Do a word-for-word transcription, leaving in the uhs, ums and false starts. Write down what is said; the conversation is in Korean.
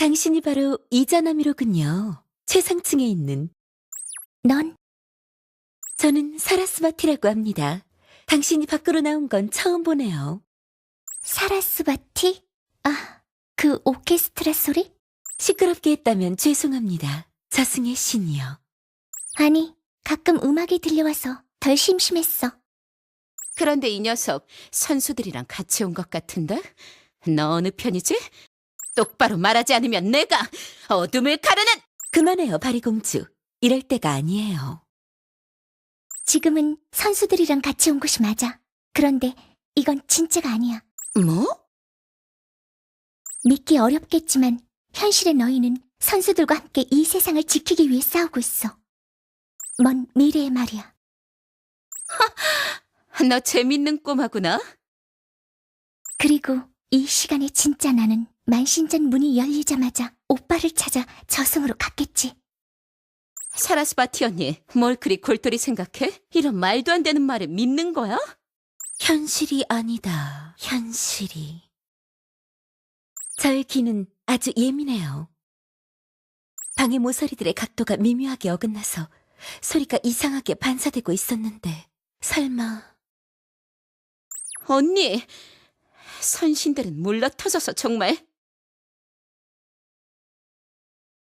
당신이 바로 이자나미로군요. 최상층에 있는. 넌? 저는 사라스바티라고 합니다. 당신이 밖으로 나온 건 처음 보네요. 사라스바티? 아, 그 오케스트라 소리? 시끄럽게 했다면 죄송합니다. 저승의 신이요. 아니, 가끔 음악이 들려와서 덜 심심했어. 그런데 이 녀석 선수들이랑 같이 온 것 같은데? 너 어느 편이지? 똑바로 말하지 않으면 내가 어둠을 가르는! 그만해요, 바리공주. 이럴 때가 아니에요. 지금은 선수들이랑 같이 온 곳이 맞아. 그런데 이건 진짜가 아니야. 뭐? 믿기 어렵겠지만 현실의 너희는 선수들과 함께 이 세상을 지키기 위해 싸우고 있어. 먼 미래의 말이야. 너 재밌는 꼬마구나. 그리고 이 시간에 진짜 나는 만신전 문이 열리자마자 오빠를 찾아 저승으로 갔겠지. 사라스바티 언니, 뭘 그리 골똘히 생각해? 이런 말도 안 되는 말을 믿는 거야? 현실이 아니다. 현실이. 저의 귀는 아주 예민해요. 방의 모서리들의 각도가 미묘하게 어긋나서 소리가 이상하게 반사되고 있었는데 설마... 언니, 선신들은 물러터져서 정말